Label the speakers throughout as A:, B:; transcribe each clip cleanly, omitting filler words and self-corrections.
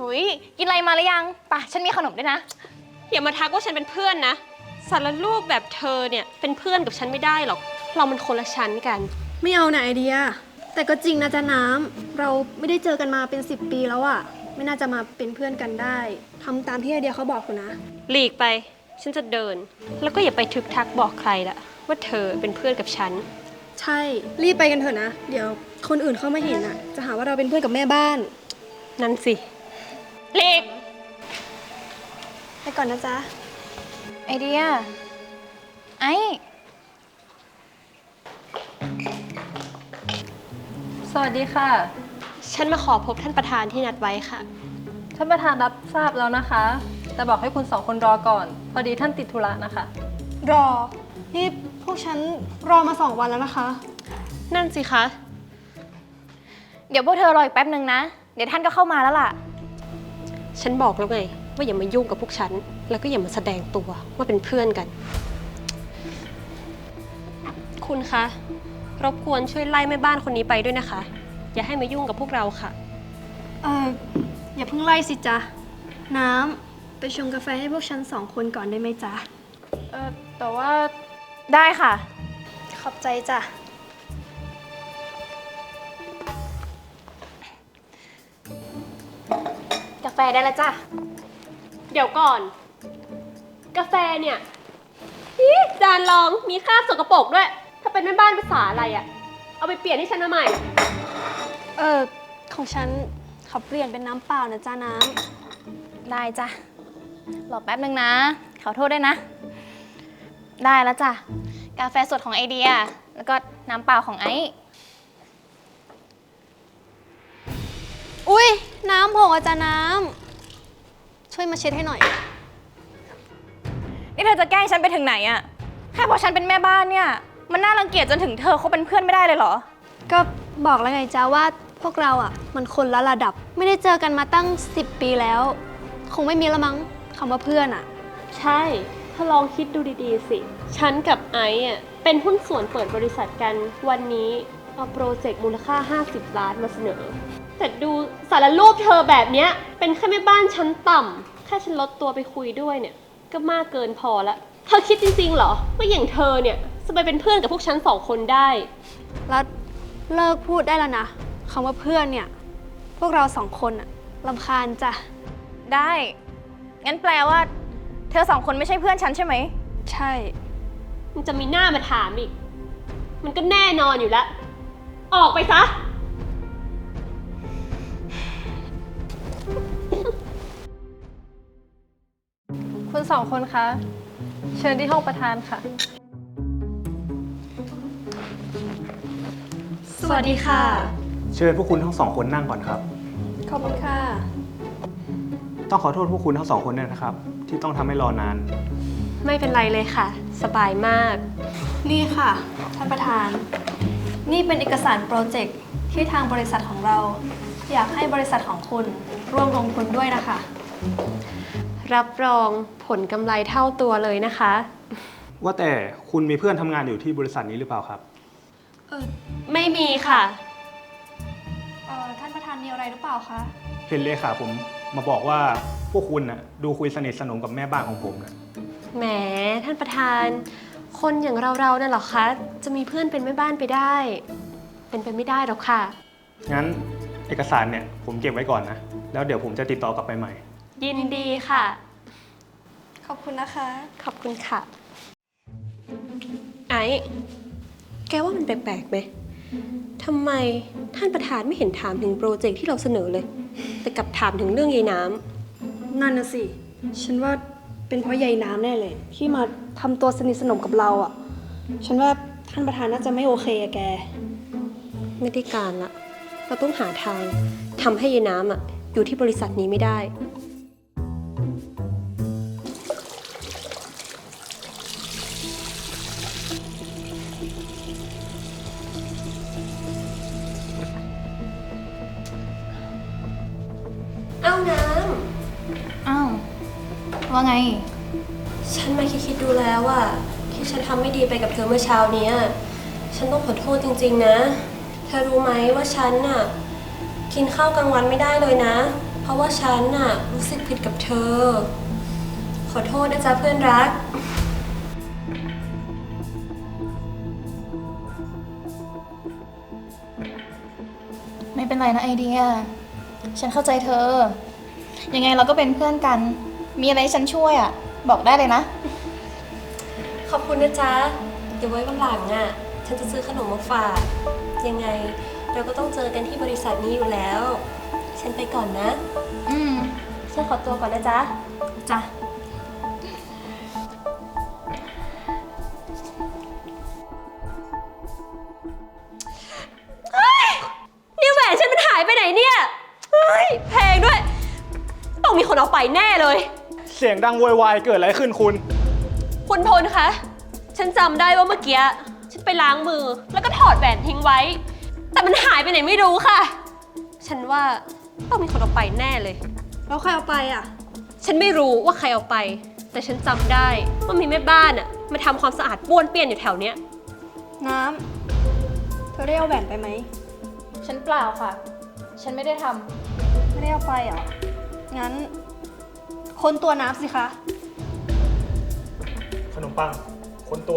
A: หุยกินอะไรมาหรือยังป่ะฉันมีขนมด้วยนะ
B: อย่ามาทักว่าฉันเป็นเพื่อนนะสารรูปแบบเธอเนี่ยเป็นเพื่อนกับฉันไม่ได้หรอกเรามันคนละชั้นกัน
C: ไม่เอานะไอเดียแต่ก็จริงนะจ๊ะน้ำเราไม่ได้เจอกันมาเป็น10 ปีแล้วอะไม่น่าจะมาเป็นเพื่อนกันได้ทำตามที่ไอเดียเขาบอกคุณนะ
B: หลีกไปฉันจะเดินแล้วก็อย่าไปทึกทักบอกใครละว่าเธอเป็นเพื่อนกับฉัน
C: ใช่รีบไปกันเถอะนะเดี๋ยวคนอื่นเข้ามาเห็นอะจะหาว่าเราเป็นเพื่อนกับแม่บ้าน
B: นั่นสิหลีก
C: ไปก่อนนะจ๊ะ
A: ไอเดียไอ
D: สวัสดีค่ะ
B: ฉันมาขอพบท่านประธานที่นัดไว้ค่ะ
D: ท่านประธานรับทราบแล้วนะคะแต่บอกให้คุณ2 คนรอก่อนพอดีท่านติดธุระนะคะ
C: รอนี่พวกฉันรอมา2 วันแล้วนะคะ
B: นั่นสิคะ
A: เดี๋ยวพวกเธอรออีกแป๊บนึงนะเดี๋ยวท่านก็เข้ามาแล้วล่ะ
B: ฉันบอกแล้วไงว่าอย่ามายุ่งกับพวกฉันแล้วก็อย่ามาแสดงตัวว่าเป็นเพื่อนกันคุณคะรบกวนช่วยไล่แม่บ้านคนนี้ไปด้วยนะคะอย่าให้มายุ่งกับพวกเราค่ะ
C: อย่าเพิ่งไล่สิจ๊ะน้ำไปชงกาแฟให้พวกฉัน2 คนก่อนได้ไหมจ๊ะ
A: แต่ว่าได้ค่ะ
C: ขอบใจจ้ะ
A: กาแฟได้แล้วจ้ะ
B: เดี๋ยวก่อนกาแฟเนี่ยจานรองมีคราบสกปรกด้วยถ้าเป็นแม่บ้านภาษาอะไรอะเอาไปเปลี่ยนให้ฉันมาใหม่
C: ของฉันขอเปลี่ยนเป็นน้ำเปล่านะจ๊ะน้
A: ำได้จ้ะรอแป๊บนึงนะขอโทษด้วยนะได้แล้วจ้ะกาแฟสดของไอเดียแล้วก็น้ำเปล่าของไอซ์
C: อุ๊ยน้ำหกอาจารย์น้ำช่วยมาเช็ดให้หน่อย
A: นี่เธอจะแกล้งฉันไปถึงไหนอะแค่เพราะฉันเป็นแม่บ้านเนี่ยมันน่ารังเกียจจนถึงเธอเขาเป็นเพื่อนไม่ได้เลยเหรอ
C: ก็บอกแล้วไงจ๊ะว่าพวกเราอะมันคนละระดับไม่ได้เจอกันมาตั้ง10 ปีแล้วคงไม่มีละมั้งคำว่าเพื่อนอะ
B: ใช่ถ้าลองคิดดูดีๆสิฉันกับไอซ์อะเป็นหุ้นส่วนเปิดบริษัทกันวันนี้เอาโปรเจกต์มูลค่า50 ล้านมาเสนอแต่ดูสารรูปเธอแบบเนี้ยเป็นแค่แม่บ้านชั้นต่ำแค่ฉันลดตัวไปคุยด้วยเนี่ยก็มากเกินพอละเธอคิดจริงๆเหรอว่าอย่างเธอเนี่ยจะไปเป็นเพื่อนกับพวกฉัน2 คนได้
C: แล้วเลิกพูดได้แล้วนะคำว่าเพื่อนเนี่ยพวกเรา2 คนอะรำคาญจ้ะ
A: ได้งั้นแปลว่าเธอ2 คนไม่ใช่เพื่อนฉันใช่ไหม
C: ใช่
B: มันจะมีหน้ามาถามอีกมันก็แน่นอนอยู่แล้วออกไปซะ
D: คุณ2 คนคะเชิญที่ห้องประธานค่ะ
C: สวัสดีค่ะ
E: เชิญพวกคุณทั้ง2 คนนั่งก่อนครับ
C: ขอบคุณค่ะ
E: ต้องขอโทษพวกคุณทั้ง2 คนด้วยนะครับที่ต้องทำให้รอนาน
B: ไม่เป็นไรเลยค่ะสบายมาก
C: นี่ค่ะท่านประธานนี่เป็นเอกสารโปรเจกต์ที่ทางบริษัทของเราอยากให้บริษัทของคุณร่วมลงทุนด้วยนะคะ
B: รับรองผลกำไรเท่าตัวเลยนะคะ
E: ว่าแต่คุณมีเพื่อนทำงานอยู่ที่บริษัทนี้หรือเปล่าครับ
B: ไม่มีค่ะ
C: ท่านประธานมีอะไรหรือเปล่าคะ
E: เห็นเลขาผมมาบอกว่าพวกคุณน่ะดูคุยสนิทสนมกับแม่บ้านของผมนะ
B: แหมท่านประธานคนอย่างเราๆนั่นหรอคะจะมีเพื่อนเป็นแม่บ้านไปได้เป็นไปไม่ได้หรอกค่ะ
E: งั้นเอกสารเนี่ยผมเก็บไว้ก่อนนะแล้วเดี๋ยวผมจะติดต่อกลับไปใหม่
B: ยินดีค่ะ
C: ขอบคุณนะคะ
B: ขอบคุณค่ะไอ้แกว่ามันแปลกๆไหมทำไมท่านประธานไม่เห็นถามถึงโปรเจกต์ที่เราเสนอเลยแต่กลับถามถึงเรื่องยายน้
C: ำนั่นน่ะสิฉันว่าเป็นเพราะยายน้ำแน่เลยที่มาทำตัวสนิทสนมกับเราอ่ะฉันว่าท่านประธานน่าจะไม่โอเคอะแก
B: ไม่ได้การละเราต้องหาทางทำให้ยายน้ำอยู่ที่บริษัทนี้ไม่ได้เอาน้ำ
A: อ้าวว่าไง
B: ฉันมาคิดดูแล้วว่าที่ฉันทำไม่ดีไปกับเธอเมื่อเช้านี้ฉันต้องขอโทษจริงๆนะเธอรู้ไหมว่าฉันกินข้าวกลางวันไม่ได้เลยนะเพราะราะว่าฉันน่ะรู้สึกผิดกับเธอ ขอโทษนะจ๊ะเพื่อนรัก
A: ไม่เป็นไรนะไอเดีย ฉันเข้าใจเธอ ยังไงเราก็เป็นเพื่อนกัน มีอะไรให้ฉันช่วยอ่ะ บอกได้เลยนะ
B: ขอบคุณนะจ๊ะ เดี๋ยวไว้วันหลังอ่ะ ฉันจะซื้อขนมมาฝาก ยังไงเราก็ต้องเจอกันที่บริษัทนี้อยู่แล้ว ฉันไปก่อนนะ
A: อืม
B: ฉันขอตัวก่อนนะจ๊ะ
A: จ้ะ
B: นี่แหวนฉันมันหายไปไหนเนี่ยเฮ้ยแพงด้วย ต้องมีคนเอาไปแน่เลย
E: เสียงดังโวยวายเกิดอะไรขึ้นคุณ
B: คุณพลคะ ฉันจำได้ว่าเมื่อกี้ฉันไปล้างมือแล้วก็ถอดแหวนทิ้งไว้ แต่มันหายไปไหนไม่รู้ค่ะ ฉันว่าต้องมีคนเอาไปแน่เลย
C: แล้วใครเอาไปอ่ะ
B: ฉันไม่รู้ว่าใครเอาไป แต่ฉันจำได้ว่ามีแม่บ้านอะมาทำความสะอาดป้วนเปี้ยนอยู่แถวเนี้ย
C: น้ำ เธอได้เอาแหวนไปไหม
A: ฉันเปล่าค่ะ ฉันไม่ได้ทำ
C: ไม่ได้เอาไปเหรอ งั้น ค้นตัวน้ำสิคะ
E: ขนมปังค้นตัว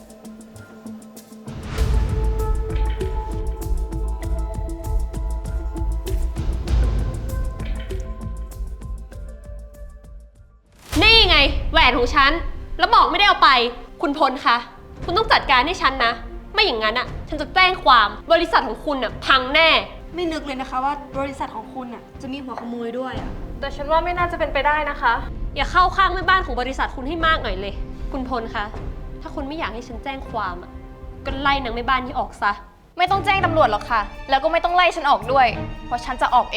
B: นี่ไงแหวนของฉัน แล้วบอกไม่ได้เอาไป คุณพลคะ คุณต้องจัดการให้ฉันนะ ไม่อย่างนั้นอะฉันจะแจ้งความบริษัทของคุณอะพังแน่
C: ไม่นึกเลยนะคะว่าบริษัทของคุณอ่ะจะมีหัวขโมยด้วยอ่ะ
D: แต่ฉันว่าไม่น่าจะเป็นไปได้นะคะ
B: อย่าเข้าข้างแม่บ้านของบริษัทคุณให้มากหน่อยเลย คุณพลคะ ถ้าคุณไม่อยากให้ฉันแจ้งความอะก็ไล่นางแม่บ้านที่ออกซะ
A: ไม่ต้องแจ้งตำรวจหรอกค่ะ แล้วก็ไม่ต้องไล่ฉันออกด้วย เพราะฉันจะออกเอง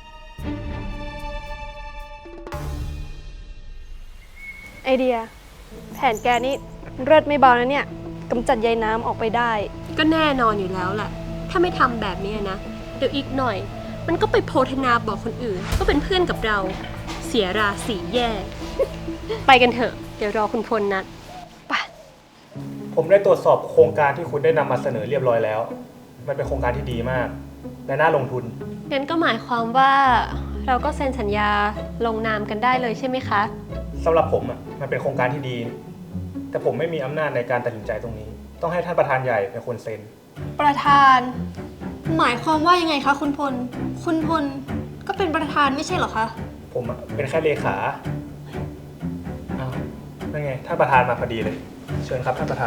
C: ไอเดีย แผนแกนี่เลิศไม่เบานะเนี่ยกำจัดใยน้ำออกไปได้
B: ก็แน่นอนอยู่แล้วแหละ ถ้าไม่ทำแบบนี้นะ เดี๋ยวอีกหน่อย มันก็ไปโพธนาบอกคนอื่นก็เป็นเพื่อนกับเรา เสียราศีแย่ ไปกันเถอะ เดี๋ยวรอคุณพลนัดไป
E: ผมได้ตรวจสอบโครงการที่คุณได้นำมาเสนอเรียบร้อยแล้ว มันเป็นโครงการที่ดีมาก และน่าลงทุน
B: งั้นก็หมายความว่าเราก็เซ็นสัญญาลงนามกันได้เลยใช่ไหมคะ
E: สำหรับผมอ่ะมันเป็นโครงการที่ดี แต่ผมไม่มีอำนาจในการตัดสินใจตรงนี้ ต้องให้ท่านประธานใหญ่เป็นคนเซ็น
C: ประธาน หมายความว่ายังไงคะคุณพล คุณพลก็เป็นประธานไม่ใช่เหรอคะ
E: ผมอ่ะเป็นแค่เลขาอ้าวนั่นไงท่านประธานมาพอดีเลย เชิญครับท่านประธาน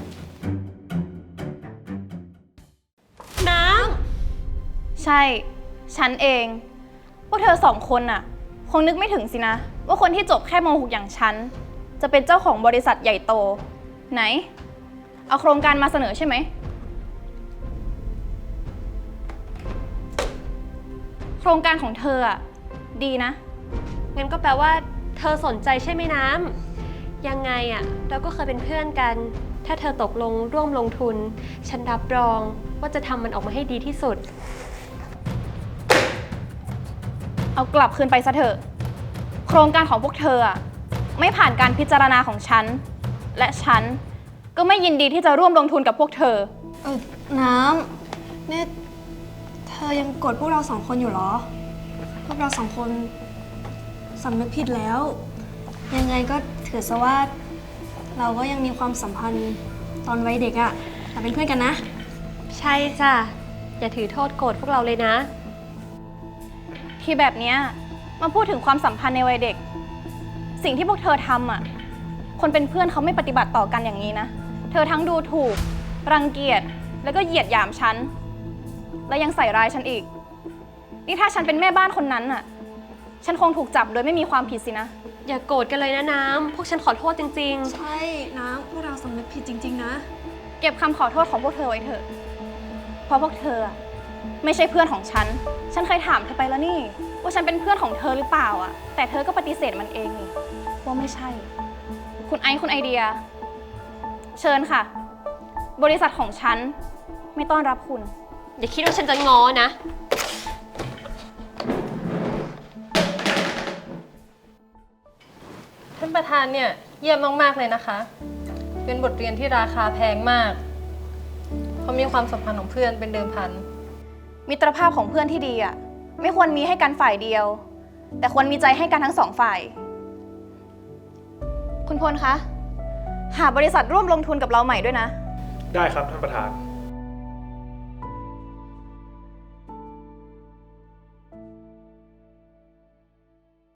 B: น้
A: ใช่ ฉันเอง พวกเธอสองคนน่ะ คงนึกไม่ถึงสินะ ว่าคนที่จบแค่ม .6 อย่างฉัน จะเป็นเจ้าของบริษัทใหญ่โต ไหน เอาโครงการมาเสนอใช่ไหม โครงการของเธออ่ะ ดีนะ
B: ำงั้นก็แปลว่าเธอสนใจใช่ไหมน้ำยังไงอะเราก็เคยเป็นเพื่อนกัน ถ้าเธอตกลงร่วมลงทุน ฉันรับรองว่าจะทำมันออกมาให้ดีที่สุด
A: เอากลับคืนไปซะเถอะ โครงการของพวกเธออ่ะ ไม่ผ่านการพิจารณาของฉัน และฉันก็ไม่ยินดีที่จะร่วมลงทุนกับพวกเธอ
C: น้ำนี่เธอยังโกรธพวกเราสองคนอยู่เหรอ พวกเราสองคนสำนึกผิดแล้ว ยังไงก็ถือซะว่า เราก็ยังมีความสัมพันธ์ตอนวัยเด็กอะเราเป็นเพื่อนกันนะ
B: ใช่จ้ะ อย่าถือโทษโกรธพวกเราเลยนะ
A: ที่แบบเนี้ยมาพูดถึงความสัมพันธ์ในวัยเด็ก สิ่งที่พวกเธอทำอ่ะ คนเป็นเพื่อนเขาไม่ปฏิบัติต่อกันอย่างนี้นะ เธอทั้งดูถูก รังเกียจ แล้วก็เหยียดหยามฉัน และยังใส่ร้ายฉันอีก นี่ถ้าฉันเป็นแม่บ้านคนนั้นอ่ะ ฉันคงถูกจับโดยไม่มีความผิดสินะ
B: อย่าโกรธกันเลยนะน้ำ พวกฉันขอโทษจริง
C: ใช่น้ำพวกเราสำนึกผิดจริงๆนะ
A: เก็บคำขอโทษของพวกเธอไว้เถอะ เพราะพวกเธออะไม่ใช่เพื่อนของฉัน ฉันเคยถามเธอไปแล้วนี่ ว่าฉันเป็นเพื่อนของเธอหรือเปล่าอ่ะ แต่เธอก็ปฏิเสธมันเองนี่ว่าไม่ใช่ คุณไอซ์คุณไอเดีย เชิญค่ะ บริษัทของฉันไม่ต้อนรับคุณ
B: ๆ อย่าคิดว่าฉันจะง้อนะ
D: ท่านประธานเนี่ยเยี่ยมมากๆเลยนะคะ เป็นบทเรียนที่ราคาแพงมาก เพราะมีความสัมพันธ์ของเพื่อนเป็นเดิมพัน
A: มิตรภาพของเพื่อนที่ดีอ่ะ ไม่ควรมีให้กันฝ่ายเดียวแต่ควรมีใจให้กันทั้งสองฝ่าย คุณพลคะ หาบริษัทร่วมลงทุนกับเราใหม่ด้วยนะ
E: ได้ครับท่านประธาน